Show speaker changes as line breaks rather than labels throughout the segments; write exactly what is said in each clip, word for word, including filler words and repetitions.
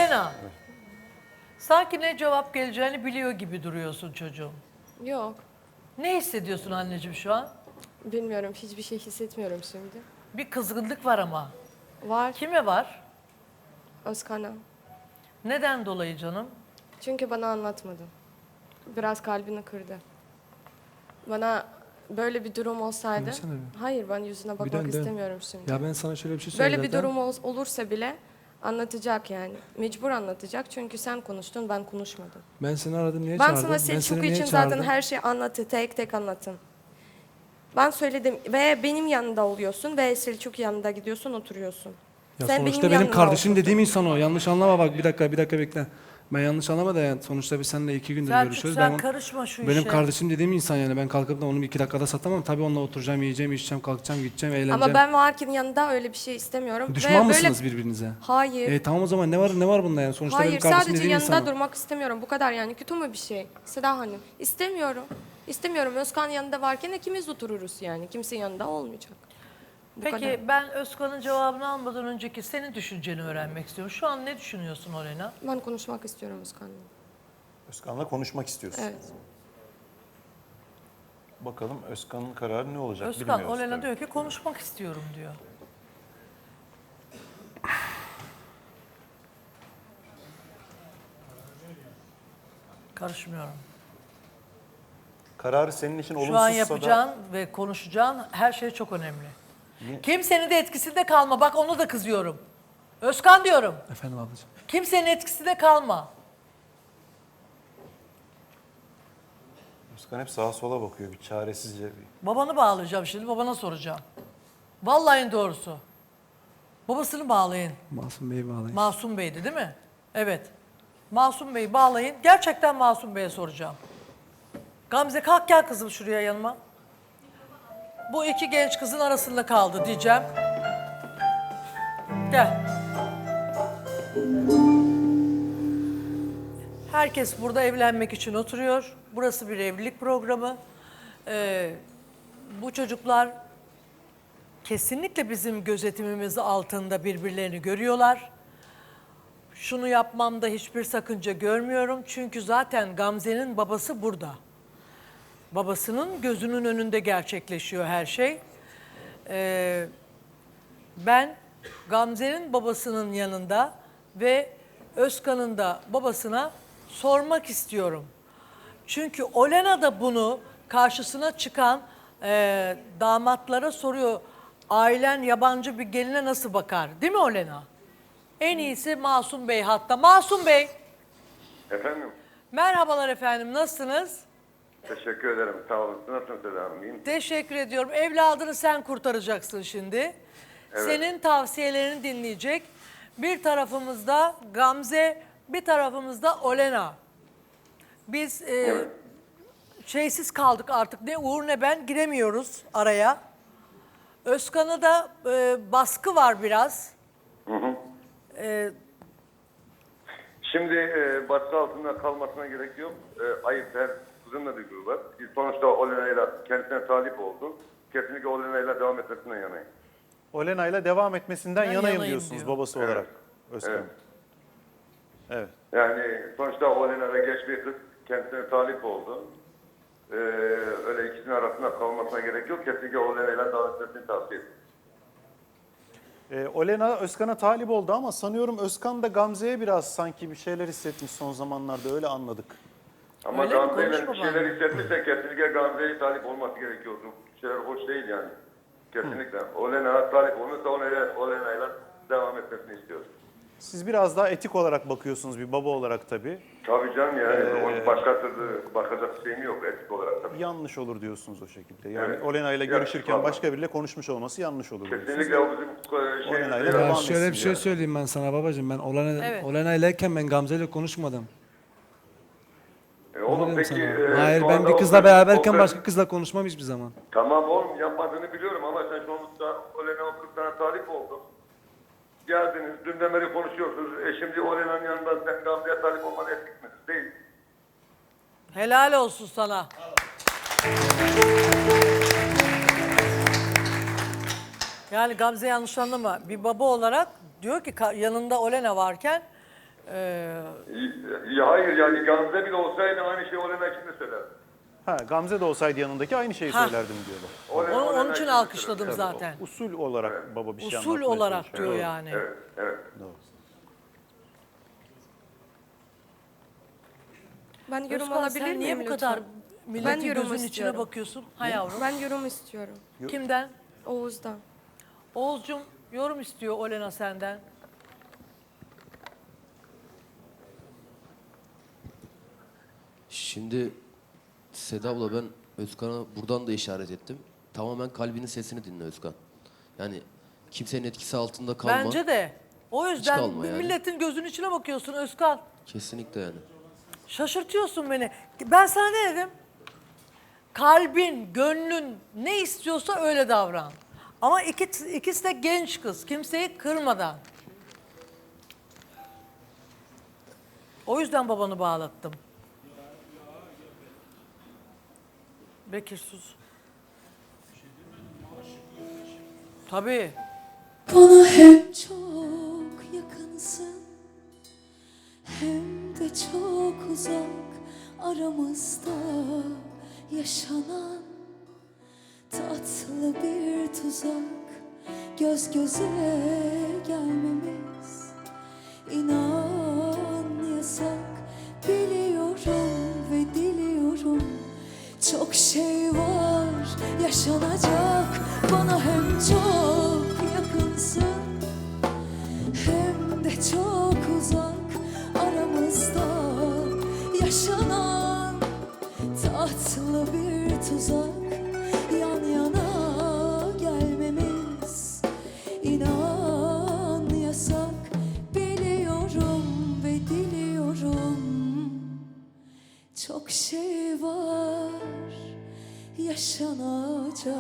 Olena. Sanki ne cevap geleceğini biliyor gibi duruyorsun çocuğum.
Yok.
Ne hissediyorsun anneciğim şu an?
Bilmiyorum. Hiçbir şey hissetmiyorum şimdi.
Bir kızgınlık var ama.
Var.
Kime var?
Özkan'a.
Neden dolayı canım?
Çünkü bana anlatmadı. Biraz kalbini kırdı. Bana böyle bir durum olsaydı...
Dönsene bir.
Hayır, ben yüzüne bakmak
dön, dön.
istemiyorum şimdi.
Ya ben sana şöyle bir şey söyleyeyim
Böyle bir
zaten.
durum ol- olursa bile anlatacak yani. Mecbur anlatacak çünkü sen konuştun, ben konuşmadım.
Ben seni aradım niye
Ben
çağırdım?
sana Selçuk
niye
için
çağırdım?
zaten her şeyi anlattı, tek tek anlatın. Ben söyledim ve benim yanında oluyorsun ve Selçuk yanında gidiyorsun, oturuyorsun.
Ya
Sen
sonuçta benim,
yanımda
kardeşim
oturdun.
dediğim insan o. Yanlış anlama bak bir dakika bir dakika bekle. Ben yanlış anlama da yani sonuçta biz seninle iki gündür
Selçuk
görüşüyoruz.
sen
Ben,
karışma şu
benim
işe.
kardeşim dediğim insan yani ben kalkıp da onu iki dakikada satamam. Tabii onunla oturacağım, yiyeceğim, içeceğim, kalkacağım, gideceğim, eğleneceğim.
Ama ben varken yanında öyle bir şey istemiyorum.
Düşman
ve böyle...
mısınız birbirinize?
Hayır.
E tamam o zaman ne var ne var bunda yani? Sonuçta benim
Hayır,
kardeşim
sadece
dediğim
yanında
insan o.
durmak istemiyorum. Bu kadar yani. Kötü mü bir şey? Seda Hanım. İstemiyorum. İstemiyorum. Özkan yanında varken ikimiz otururuz yani. Kimse yanında olmayacak. Bu
Peki
kadar.
ben Özkan'ın cevabını almadan önceki senin düşünceni öğrenmek istiyorum. Şu an ne düşünüyorsun Olena?
Ben konuşmak istiyorum Özkan'la.
Özkan'la konuşmak istiyorsun.
Evet.
Bakalım Özkan'ın kararı ne olacak
Özkan,
bilmiyoruz.
Olena
tabii.
diyor ki konuşmak istiyorum diyor. Karışmıyorum.
Kararı senin için
Şu an
olumsuzsa
yapacağın
da
ve konuşacağın her şey çok önemli. Kimsenin de etkisinde kalma. Bak onu da kızıyorum. Özkan diyorum.
Efendim ablacığım.
Kimsenin etkisinde kalma.
Özkan hep sağa sola bakıyor bir çaresizce. Bir...
Babanı bağlayacağım şimdi. Babana soracağım. Vallahi en doğrusu. Babasını bağlayın.
Masum Bey'i bağlayın.
Masum Bey'di değil mi? Evet. Masum Bey'i bağlayın. Gerçekten Masum Bey'e soracağım. Gamze kalk gel kızım şuraya yanıma. Bu iki genç kızın arasında kaldı diyeceğim. Gel. Herkes burada evlenmek için oturuyor. Burası bir evlilik programı. Ee, bu çocuklar kesinlikle bizim gözetimimiz altında birbirlerini görüyorlar. Şunu yapmamda hiçbir sakınca görmüyorum. Çünkü zaten Gamze'nin babası burada. Babasının gözünün önünde gerçekleşiyor her şey. Ee, ben Gamze'nin babasının yanında ve Özkan'ın da babasına sormak istiyorum. Çünkü Olena da bunu karşısına çıkan e, damatlara soruyor. Ailen yabancı bir geline nasıl bakar? Değil mi Olena? En iyisi Masum Bey hatta. Masum Bey,
Efendim,
merhabalar efendim, nasılsınız?
teşekkür ederim. Sağ olun. Nasılsınız Seda Hanım? İyiyim.
Teşekkür ediyorum. Evladını sen kurtaracaksın şimdi. Senin tavsiyelerini dinleyecek. Bir tarafımızda Gamze, bir tarafımızda Olena. Biz e,
Evet.
şeysiz kaldık artık. Ne Uğur ne ben giremiyoruz araya. Özkan'a da e, baskı var biraz.
Hı hı.
E,
Şimdi e, baskı altında kalmasına gerek yok. E, ayıp her kızın da bir grubu var. Sonuçta Olena'yla kendisine talip oldu. Kesinlikle Olena'yla devam etmesinden yanayım.
Olena'yla devam etmesinden
Ben
yanayım,
yanayım
diyorsunuz
diyor.
babası
Evet.
olarak Özkan.
Evet.
Evet.
Yani sonuçta Olena'da genç bir kız kendisine talip oldu. E, öyle ikisinin arasında kalmasına gerek yok. Kesinlikle Olena'yla devam etmesini tavsiye ederim.
Ee, Olena Özkan'a talip oldu ama sanıyorum Özkan da Gamze'ye biraz sanki bir şeyler hissetmiş son zamanlarda, öyle anladık.
Ama
Öyle mi?
Gamze'yle
Konuşma
bir şeyler hissetmişse kesinlikle Gamze'ye talip olması gerekiyordu. Bir şeyler hoş değil yani. Kesinlikle. Olena talip olmuşsa Olena, Olena'yla devam etmesini istiyoruz.
Siz biraz daha etik olarak bakıyorsunuz bir baba olarak tabii.
Tabii canım yani.
Ee,
Onun başka türlü bakacak şeyim yok etik olarak tabii.
Yanlış olur diyorsunuz o şekilde. Yani
Evet.
Olena ile
Evet,
görüşürken
vallahi.
başka biriyle konuşmuş olması yanlış olur diyorsunuz.
Kesinlikle o bizim e, şey,
Olena'yla
şey-
devam
Ya
etsin
şöyle bir şey
yani.
söyleyeyim ben sana babacığım. Ben Olena,
Evet.
Olena ilerken ben Gamze ile konuşmadım.
E,
Ne
oğlum
dedim
peki...
sana?
e,
Hayır
şu
ben
anda
bir
o
kızla
kız-
beraberken
o kız-
başka kızla konuşmam hiçbir zaman.
Tamam oğlum yapmadığını biliyorum ama sen sonuçta Olena o kız sana talip oldu. Geldiniz, dünden beri konuşuyorsunuz. E şimdi Olena'nın yanında sen Gamze'ye talip olman etik mi? Değil.
helal olsun sana. Yani Gamze yanlış anlama. Bir baba olarak diyor ki ka- yanında Olena varken Ee,
Ya hayır yani Gamze bile olsaydı aynı şeyi Olena için de söylerdim.
Ha, Gamze de olsaydı yanındaki aynı şeyi
Ha.
söylerdim diyorlar.
Olena-
onu,
Olena
onun için
de
alkışladım
söylerdim.
zaten.
Usul olarak baba bir şey
Usul
anlatmaya
olarak
çalışıyor.
diyor yani.
Evet, evet.
Doğru.
Ben yorum
Özkan,
alabilir
sen
miyim
niye bu
lütfen?
kadar milletin
yorum
gözünün içine
istiyorum.
bakıyorsun? Ha yavrum.
Ben yorum istiyorum.
Kimden?
Oğuz'dan.
Oğuzcum yorum istiyor Olena senden.
Şimdi Seda abla ben Özkan'a buradan da işaret ettim. Tamamen kalbinin sesini dinle Özkan. Yani kimsenin etkisi altında kalma.
Bence de. O yüzden
kalma yani.
milletin gözünün içine bakıyorsun Özkan.
Kesinlikle yani.
Şaşırtıyorsun beni. Ben sana ne dedim? Kalbin, gönlün ne istiyorsa öyle davran. Ama iki, ikisi de genç kız. Kimseyi kırmadan. O yüzden babanı bağlattım. Bekir sus. Tabii.
Bana hem çok yakınsın hem de çok uzak aramızda yaşanan tatlı bir tuzak, göz göze gelmemiz inan yasak. Biliyorum ve diliyorum çok şey var yaşanacak. Bana hem çok yakınsın hem de çok uzak aramızda yaşanan tatlı bir tuzak, yan yana gelmemiz inan yasak. Biliyorum ve diliyorum çok şey var yaşanacak.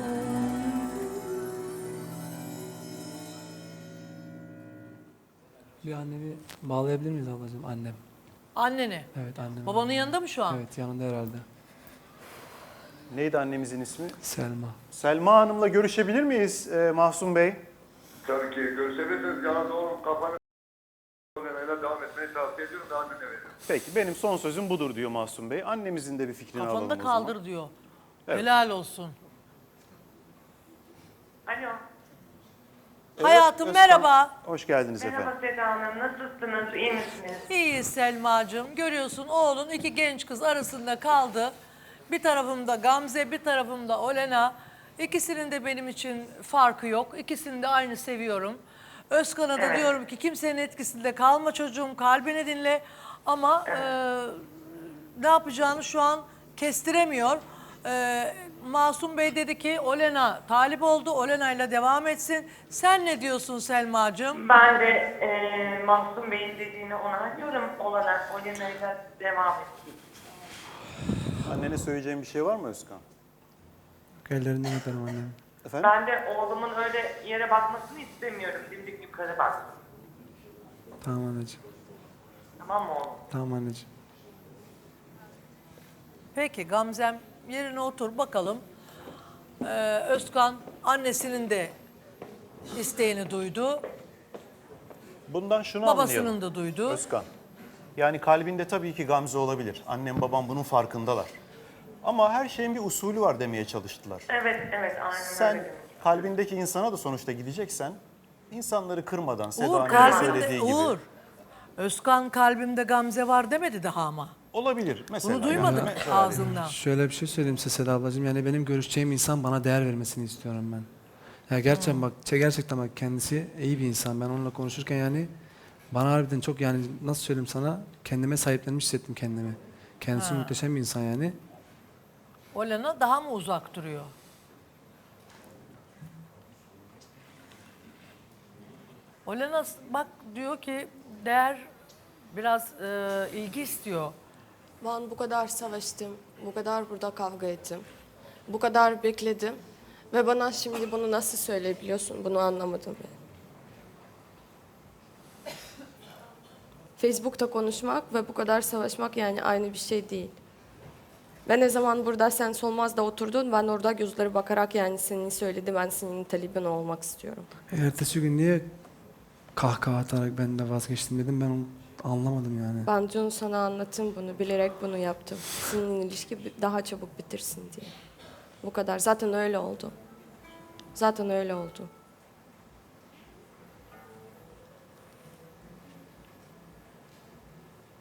Bir annemi bağlayabilir miyiz ablacığım? Annem.
Anneni.
Evet annem.
Babanın yanında mı şu an?
Evet yanında herhalde.
Neydi annemizin ismi?
Selma.
Selma Hanım'la görüşebilir miyiz e, Mahsun Bey?
Tabii ki görüşebilirsiniz. Yalnız oğlum kafanı Olena'yla devam etmeyi tavsiye ediyorum da annene veriyorum.
Peki benim son sözüm budur diyor Mahsun Bey. Annemizin de bir fikrini alalım
Kafanı da
o zaman.
kaldır diyor.
Evet.
Helal olsun.
Alo.
Evet,
Hayatım
Özkan,
merhaba.
Hoş geldiniz efendim.
Merhaba Seda Hanım. Nasılsınız? İyi misiniz?
İyi Selma'cığım. Görüyorsun oğlun iki genç kız arasında kaldı. Bir tarafımda Gamze, bir tarafımda Olena. İkisinin de benim için farkı yok. İkisini de aynı seviyorum. Özkan'a da
Evet.
diyorum ki kimsenin etkisinde kalma çocuğum, kalbini dinle. Ama e, ne yapacağını şu an kestiremiyor. E, Masum Bey dedi ki Olena talip oldu, Olena ile devam etsin. Sen ne diyorsun Selma'cığım?
Ben de e, Mahsun Bey'in dediğini onaylıyorum. Olarak Olena'yla devam ettik.
Annene söyleyeceğim bir şey var mı Özkan?
Ellerinden öperim annem.
Efendim?
Ben de oğlumun öyle yere bakmasını istemiyorum. Dimdik yukarı bak.
Tamam anneciğim.
Tamam mı oğlum?
Tamam anneciğim.
Peki Gamzem yerine otur bakalım. Ee, Özkan annesinin de isteğini duydu.
Bundan şunu
Babasının
anlayalım.
da duydu.
Özkan. Yani kalbinde tabii ki Gamze olabilir. Annem babam bunun farkındalar. Ama her şeyin bir usulü var demeye çalıştılar.
Evet, evet. Aynen
Sen
öyle.
kalbindeki insana da sonuçta gideceksen insanları kırmadan Seda
Uğur
Hanım'ın
kalbinde,
söylediği gibi.
Uğur. Özkan kalbimde Gamze var demedi daha ama.
Olabilir mesela.
Bunu duymadım
Yani mesela
ağzından.
Şöyle bir şey söyleyeyim size Seda ablacığım. Yani benim görüşeceğim insan bana değer vermesini istiyorum ben. Ya gerçekten bak, gerçekten bak kendisi iyi bir insan. Ben onunla konuşurken yani bana harbiden çok yani nasıl söyleyeyim sana kendime sahiplenmiş hissettim kendimi. Kendisi
Ha.
muhteşem bir insan yani.
Olena daha mı uzak duruyor? Olena bak diyor ki değer biraz e, ilgi istiyor.
Ben bu kadar savaştım, bu kadar burada kavga ettim, bu kadar bekledim ve bana şimdi bunu nasıl söyleyebiliyorsun, bunu anlamadım. Facebook'ta konuşmak ve bu kadar savaşmak yani aynı bir şey değil. Ben ne zaman burada sen Solmaz'da oturdun, ben orada gözleri bakarak yani seni söyledi, ben senin talibin olmak istiyorum.
Ertesi gün niye kahkaha atarak ben de vazgeçtim dedim. Ben Anlamadım yani.
Ben dün sana anlattım bunu, bilerek bunu yaptım. Senin ilişki bi- daha çabuk bitirsin diye. Bu kadar. Zaten öyle oldu. Zaten öyle oldu.